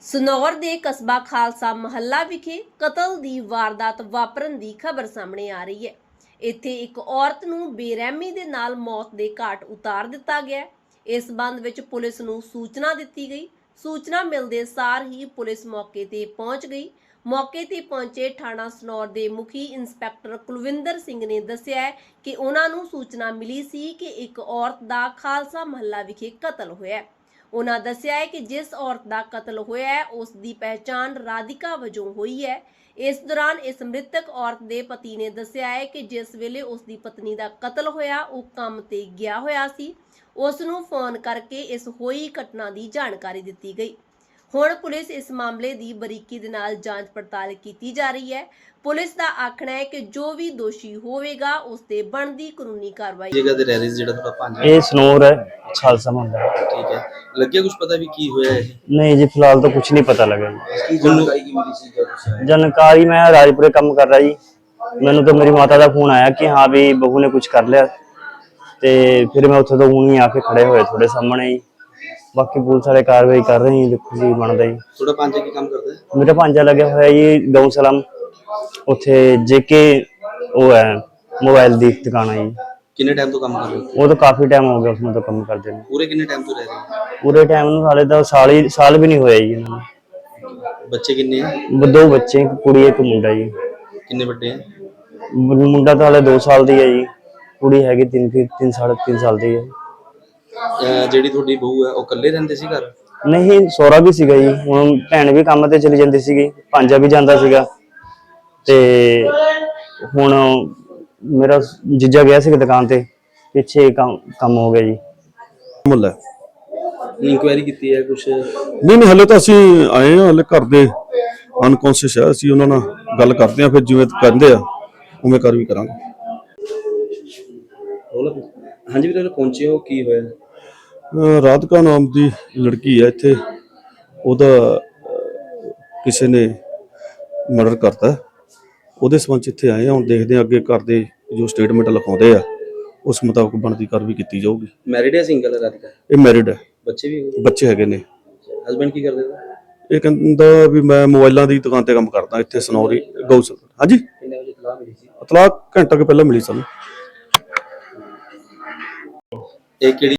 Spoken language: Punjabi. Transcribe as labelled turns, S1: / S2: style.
S1: ਸਨੌਰ ਦੇ ਕਸਬਾ ਖਾਲਸਾ ਮਹੱਲਾ ਵਿਖੇ ਕਤਲ ਦੀ ਵਾਰਦਾਤ ਵਾਪਰਨ ਦੀ ਖਬਰ ਸਾਹਮਣੇ ਆ ਰਹੀ ਹੈ। ਇੱਥੇ ਇੱਕ ਔਰਤ ਨੂੰ ਬੇਰਹਿਮੀ ਦੇ ਨਾਲ ਮੌਤ ਦੇ ਘਾਟ ਉਤਾਰ ਦਿੱਤਾ ਗਿਆ ਹੈ। ਇਸ ਸੰਬੰਧ ਵਿੱਚ ਪੁਲਿਸ ਨੂੰ ਸੂਚਨਾ ਦਿੱਤੀ ਗਈ। ਸੂਚਨਾ ਮਿਲਦੇ ਸਾਰ ਹੀ ਪੁਲਿਸ ਮੌਕੇ ਤੇ ਪਹੁੰਚ ਗਈ। ਮੌਕੇ ਤੇ ਪਹੁੰਚੇ ਥਾਣਾ ਸਨੌਰ ਦੇ ਮੁਖੀ ਇੰਸਪੈਕਟਰ ਕੁਲਵਿੰਦਰ ਸਿੰਘ ਨੇ ਦੱਸਿਆ ਹੈ ਕਿ ਉਹਨਾਂ ਨੂੰ ਸੂਚਨਾ ਮਿਲੀ ਸੀ ਕਿ ਇੱਕ ਔਰਤ ਦਾ ਖਾਲਸਾ ਮਹੱਲਾ ਵਿਖੇ ਕਤਲ ਹੋਇਆ ਹੈ। ਉਹਨਾਂ ਦੱਸਿਆ ਹੈ ਕਿ ਜਿਸ ਔਰਤ ਦਾ ਕਤਲ ਹੋਇਆ ਹੈ ਉਸ ਦੀ ਪਹਿਚਾਣ ਰਾਧਿਕਾ ਵਜੋਂ ਹੋਈ ਹੈ। ਇਸ ਦੌਰਾਨ ਇਸ ਮ੍ਰਿਤਕ ਔਰਤ ਦੇ ਪਤੀ ਨੇ ਦੱਸਿਆ ਹੈ ਕਿ ਜਿਸ ਵੇਲੇ ਉਸ ਦੀ ਪਤਨੀ ਦਾ ਕਤਲ ਹੋਇਆ ਉਹ ਕੰਮ ਤੇ ਗਿਆ ਹੋਇਆ ਸੀ। ਉਸ ਨੂੰ ਫੋਨ ਕਰਕੇ ਇਸ ਹੋਈ ਘਟਨਾ ਦੀ ਜਾਣਕਾਰੀ ਦਿੱਤੀ ਗਈ। ਹੁਣ ਪੁਲਿਸ ਇਸ ਮਾਮਲੇ ਦੀ ਬਰੀਕੀ ਦੇ ਨਾਲ ਜਾਂਚ ਪੜਤਾਲ ਕੀਤੀ ਜਾ ਰਹੀ ਹੈ। ਪੁਲਿਸ ਦਾ ਆਖਣਾ ਹੈ ਕਿ ਜੋ ਵੀ ਦੋਸ਼ੀ ਹੋਵੇਗਾ ਉਸ ਤੇ ਬਣਦੀ ਕਾਨੂੰਨੀ ਕਾਰਵਾਈ।
S2: ਜਗ੍ਹਾ ਤੇ ਰਹਿ ਰਹੀ ਸੀ ਜਿਹੜਾ ਤੁਹਾਡਾ ਭਾਂਜਾ,
S3: ਇਹ ਸਨੋਰ है खालसा महल।
S2: ठीक है, ਲੱਗਿਆ ਕੁਝ ਪਤਾ ਵੀ ਕੀ ਹੋਇਆ ਇਹ?
S3: नहीं जी, फिलहाल तो कुछ नहीं पता लगा जी।
S2: ਕੀ ਜਾਣਕਾਰੀ ਕੀ ਮਿਲੀ ਸੀ ਜਦੋਂ ਤੁਸੀਂ ਆਏ?
S3: जानकारी मैं राजपुरे काम कर रहा जी, मैंने तो मेरी माता का फोन आया कि हाँ भी बहू ने कुछ कर लिया, ते फिर मैं उत्थे तो हूँ ही आके खड़े होए थोड़े सामने ही। बाकी पुलिस वाले कार्रवाई कर रहे हैं, देखो जी बनता जी।
S2: ਤੁਹਾਡਾ ਭਾਂਜਾ ਕੀ ਕੰਮ ਕਰਦਾ ਹੈ?
S3: मेरा भांजा लगे हुआ जी गौ सलाम, उत्थे जेके वो है मोबाइल की दुकान है जी।
S2: ਕਿੰਨੇ ਟਾਈਮ ਤੋਂ ਕੰਮ ਕਰ ਰਹੇ ਹੋ?
S3: वो तो काफी टाइम हो गया उसमें तो काम करते हैं।
S2: ਪੂਰੇ ਕਿੰਨੇ ਟਾਈਮ ਤੋਂ ਰਹਿ ਰਹੇ ਹੋ?
S3: पूरे टाइम साले तो साल भी नहीं होया जी इन्होंने।
S2: ਬੱਚੇ ਕਿੰਨੇ ਹੈ?
S3: दो बच्चे, एक कुड़ी एक मुंडा जी।
S2: ਕਿੰਨੇ ਵੱਡੇ ਹੈ?
S3: मुंडा तो हाले 2 साल दी है जी, कुड़ी हैगी 3 साल दी है।
S2: ਜਿਹੜੀ ਤੁਹਾਡੀ ਬਹੂ ਹੈ ਉਹ ਇਕੱਲੇ ਰਹਿੰਦੇ ਸੀ ਘਰ?
S3: नहीं सोहरा भी सीगा जी, हुण भैन भी काम ते चली जांदी सीगी, भांजा भी जांदा सीगा ते हुण मेरा जीजा गया सी दुकान ते, पिछे काम हो गया जी।
S4: ਮੁੱਲ ਹੈ।
S2: ਇਨਕੁਆਇਰੀ ਕੀਤੀ ਹੈ ਕੁਝ?
S4: ਨਹੀਂ ਹਲੇ ਤਾਂ ਅਸੀਂ ਆਏ ਹਾਂ, ਹਲੇ ਘਰ ਦੇ ਅਨਕੌਂਸ਼ੀਅਸ ਹੈ, ਅਸੀਂ ਉਹਨਾਂ ਨਾਲ ਗੱਲ ਕਰਦੇ ਹਾਂ, ਫਿਰ ਜਿਵੇਂ ਕਹਿੰਦੇ ਆ ਉਵੇਂ ਕਰ ਵੀ ਕਰਾਂਗੇ।
S2: ਹਾਂਜੀ ਵੀਰੇ, ਪਹੁੰਚੇ ਹੋ, ਕੀ ਹੋਇਆ?
S4: ਰਾਧਿਕਾ ਨਾਮ ਦੀ ਲੜਕੀ ਹੈ ਇੱਥੇ, ਉਹਦਾ ਕਿਸੇ ਨੇ ਮਰਡਰ ਕਰਤਾ, ਉਹਦੇ ਸੰਬੰਧ 'ਚ ਇੱਥੇ ਆਏ ਹਾਂ। ਹੁਣ ਦੇਖਦੇ ਹਾਂ ਅੱਗੇ ਘਰ ਦੇ ਜੋ ਸਟੇਟਮੈਂਟ ਲਿਖਾਉਂਦੇ ਆ ਉਸ ਮੁਤਾਬਕ ਬਣਦੀ ਕਾਰਵਾਈ ਕੀਤੀ ਜਾਊਗੀ।
S2: ਮੈਰਿਡ ਹੈ ਸਿੰਗਲ ਹੈ ਰਾਧਿਕਾ?
S4: ਇਹ ਮੈਰਿਡ ਹੈ,
S2: ਬੱਚੇ ਵੀ?
S4: ਬੱਚੇ ਹੈਗੇ ਨੇ।
S2: ਹਸਬੈਂਡ ਕੀ ਕਰਦੇ ਨੇ?
S4: ਇਹ ਕਹਿੰਦਾ ਵੀ ਮੈਂ ਮੋਬਾਈਲਾਂ ਦੀ ਦੁਕਾਨ ਤੇ ਕੰਮ ਕਰਦਾ ਇੱਥੇ ਸਨੌਰੀ ਗਊਸਲ। ਹਾਂਜੀ,
S2: ਕਿੰਨੇ ਵਜੇ ਇਤਲਾਹ ਮਿਲੀ ਸੀ?
S4: ਇਤਲਾਹ ਘੰਟਾ ਕੁ ਪਹਿਲਾਂ ਮਿਲੀ ਸਾਨੂੰ।
S2: ਇਹ ਕਿਹੜੀ